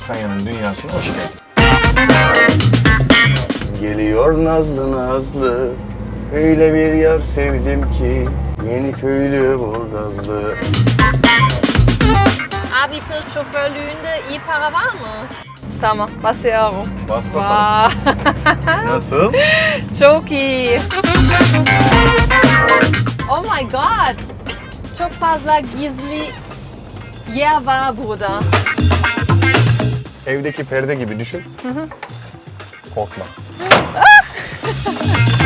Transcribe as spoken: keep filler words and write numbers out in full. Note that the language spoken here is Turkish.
Kanya'nın dünyasına hoş geldin. Geliyor nazlı nazlı, öyle bir yar sevdim ki, yeni köylü Burgazlı. Abi tır şoförlüğünde iyi para var mı? Tamam, basıyorum. Bas bakalım. Vay. Nasıl? Çok iyi. Oh my god. Çok fazla gizli yer var burada. Evdeki perde gibi düşün. Korkma.